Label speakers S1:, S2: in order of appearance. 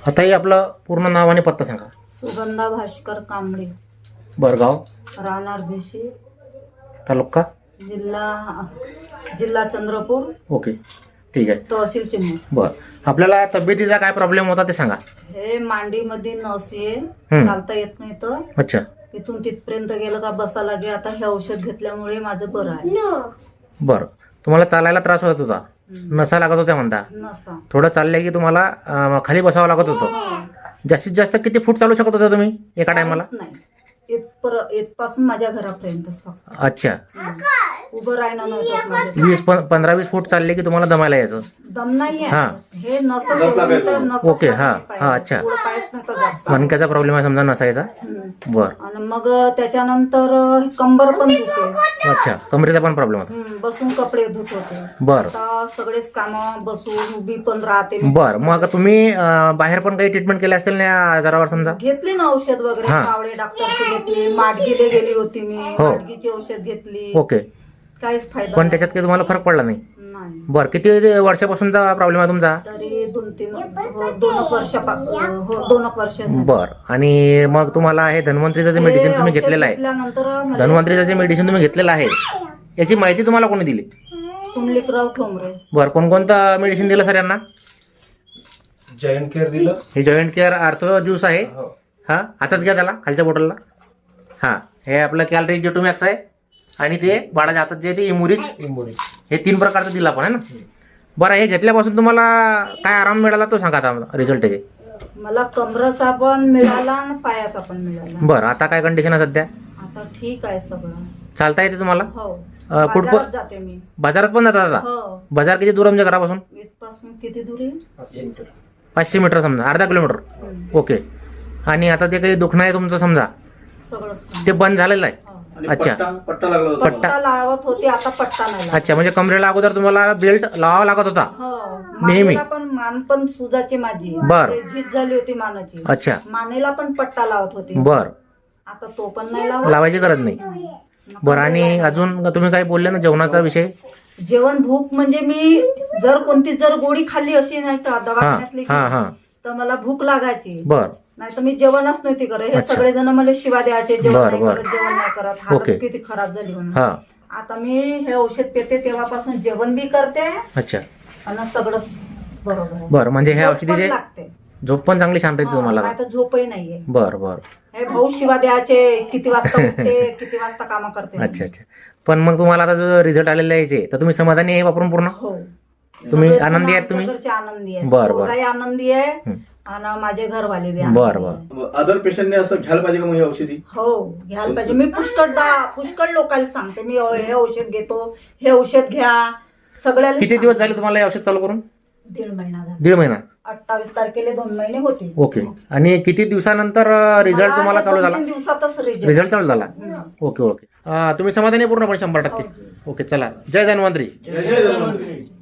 S1: आताही आपलं पूर्ण नाव आणि पत्ता सांगा.
S2: सुगंधा भास्कर कांबळे,
S1: बरगाव,
S2: राहणार भिशी,
S1: तालुका.
S2: जिल्हा चंद्रपूर,
S1: ओके, ठीक आहे.
S2: तहसील चिमूर.
S1: बरं, आपल्याला तब्येतीचा काय प्रॉब्लेम होता ते सांगा.
S2: हे मांडीमध्ये नस आहे,
S1: हम्म.
S2: चालता येत नाही तर
S1: अच्छा,
S2: इथून तिथपर्यंत गेलं का बसा लागे. आता हे औषध घेतल्यामुळे माझं बरं आहे.
S1: बरं. तुम्हाला चालायला त्रास होत होता, नसा लागत होत्या म्हणता.
S2: नसा
S1: थोडं चाललं की तुम्हाला खाली बसावं लागत होतं. जास्तीत जास्त किती फूट चालू शकत होता तुम्ही एका टायमाला?
S2: काहीच नाही. इथपासून माझ्या घरापर्यंतच फक्त.
S1: अच्छा,
S2: उभं राहणं नव्हतं माझं.
S1: 15-20 फूट चालले की तुम्हाला दमायला यायचं.
S2: दम नाही
S1: हा.
S2: आहे. हे नसं सोडून तर नसंच
S1: ओके, हा,
S2: लागली पाहिजे.
S1: हा, अच्छा.
S2: पुढं पायच नव्हतं जास्त.
S1: मणक्याचा प्रॉब्लेम आहे समजा नसायचा. बरं,
S2: आणि मग त्याच्यानंतर कंबर पण दुखते.
S1: अच्छा, कमरेचा पण प्रॉब्लेम होता.
S2: बसून कपडे धुत होते.
S1: बरं
S2: आता सगळेच काम बसून उभी पण राहते.
S1: बरं. मग तुम्ही बाहेर पण काही ट्रीटमेंट केली असतील ना या आजारावर समजा?
S2: घेतली ना औषध वगैरे.
S1: हा.
S2: कावळे डॉक्टरची घेतली, माडगीले गेली होती मी,
S1: हो.
S2: माडगीची औषध घेतली.
S1: ओके,
S2: काहीच फायदा
S1: पण
S2: नाही.
S1: त्याच्यात काही तुम्हाला फरक पडला नाही?
S2: नाही.
S1: बरं, किती वर्षापासूनचा प्रॉब्लेम आहे तुमचा?
S2: तरी 2 वर्ष
S1: बरं. आणि मग तुम्हाला हे धन्वंतरीचं जे मेडिसिन तुम्ही घेतलेलं आहे,
S2: घेतल्यानंतर
S1: धन्वंतरीचं जे मेडिसिन तुम्ही घेतलेलं आहे याची माहिती तुम्हाला कोणी दिली?
S2: कुंडलिकराव ठोंबरे.
S1: बरं, कोणकोणतं मेडिसिन दिलं सर यांना?
S3: जॉईंट केअर दिलं.
S1: हे जॉईंट केअर आर्थो ज्यूस आहे.
S3: हो.
S1: हां, हातात घ्या त्याला, खालच्या बॉटलला. हां, हे आपलं कॅलरी जेटोमॅक्स आहे. आणि ते बाळाच्या हातात जे आहे ते इमुरिज. हे 3 प्रकारचं दिलं आपण, आहे ना? बरं, हे घेतल्यापासून तुम्हाला काय आराम मिळाला तो सांगा आता रिझल्ट त्याचे.
S2: मला कमराचा पण मिळाला आणि पायाचा पण मिळाला.
S1: बरं, आता काय कंडिशन आहे सध्या?
S2: आता ठीक आहे सगळं.
S1: चालता येते तुम्हाला?
S2: हो.
S1: कुठं
S2: बाजारात जाते मी.
S1: बाजारात पण जातात आता?
S2: हो.
S1: बाजार किती दूर आमच्या घरापासून?
S2: इथपासून किती दूर आहे?
S1: 500 मीटर समजा, अर्धा किलोमीटर. ओके. आणि आता ते काही दुखणं आहे तुमचं समजा,
S2: सगळं
S1: ते बंद झालेलं आहे?
S2: हो.
S1: अच्छा,
S3: पट्टा लागला होता.
S2: पट्टा लावत होती, आता पट्टा नाही लावत.
S1: अच्छा. म्हणजे कमरेला अगोदर तुम्हाला बेल्ट लावावा लागत होता?
S2: हो.
S1: नेहमी?
S2: मानेला पण मान पण सुजाची माझी.
S1: बर.
S2: ते झीज झाली होती मानाची.
S1: अच्छा,
S2: मानेला पण पट्टा लावत होती.
S1: बरं.
S2: आता तो पण नाही लावत.
S1: लावायची गरज नाही. बरं, आणि अजून तुम्ही काय बोलले ना जेवणाचा विषय?
S2: जेवण भूक म्हणजे मी कोणती गोळी खाल्ली अशी नाही का
S1: हां
S2: दवाखान्यातली
S1: हां हां.
S2: तर मला भूक लागायची.
S1: बरं,
S2: नाही तर मी जेवणच नव्हती करत. हे
S1: अच्छा.
S2: सगळेजण मला शिवा द्यायचे, जेवण
S1: बर,
S2: नाही
S1: बर.
S2: करत, जेवण नाही करत,
S1: ओके.
S2: हालत किती खराब झाली म्हणून.
S1: हां,
S2: आता मी हे औषध पिते तेव्हापासून जेवण बी करते
S1: अच्छा.
S2: आणि सगळंच बरोबर आहे.
S1: बरं, म्हणजे हे
S2: झोप पण
S1: औषधीचे
S2: लागते.
S1: झोप पण चांगली शांत येते तुम्हाला?
S2: नाही तर झोपही नाहीये.
S1: बरं बरं.
S2: हे भाऊ शिवा द्यायचे, किती वाजता उठते, किती वाजता काम करते.
S1: अच्छा अच्छा. पण मग तुम्हाला आता जो रिझल्ट आलेला आहे याचे, तर तुम्ही समाधानी आहे वापरून पूर्ण?
S2: हो.
S1: तुम्ही
S2: सगळेजण
S1: आनंदी आहेत तुम्ही?
S2: आमच्या घरचे आनंदी आहेत.
S1: बर, बर.
S2: पोरगाही आनंदी आहे
S1: हं.
S2: आणि माझे घरवाले बी आनंदी
S1: बर, बर.
S2: आहे.
S3: अदर पेशंटने असं घ्यायला पाहिजे का मग ही औषधी?
S2: हो, घ्यायला पाहिजे. मी पुष्कळ लोकांना सांगते, मी हे औषध घेतो, हे औषध घ्या, सगळ्याला
S1: किती दिवस झाले तुम्हाला हे औषध चालू करून?
S2: 1.5 महिना झाला.
S1: 1.5 महिना.
S2: 28 तारखेला 2 महिने होते.
S1: ओके. आणि किती दिवसानंतर रिझल्ट तुम्हाला चालू झाला?
S2: 2-3 दिवसातच
S1: रिझल्ट चालू झाला? Okay okay. तुम्ही समाधानी आहे पूर्णपणे 100%? ओके, चला. जय धन्वंतरी.
S3: जय धन्वंतरी.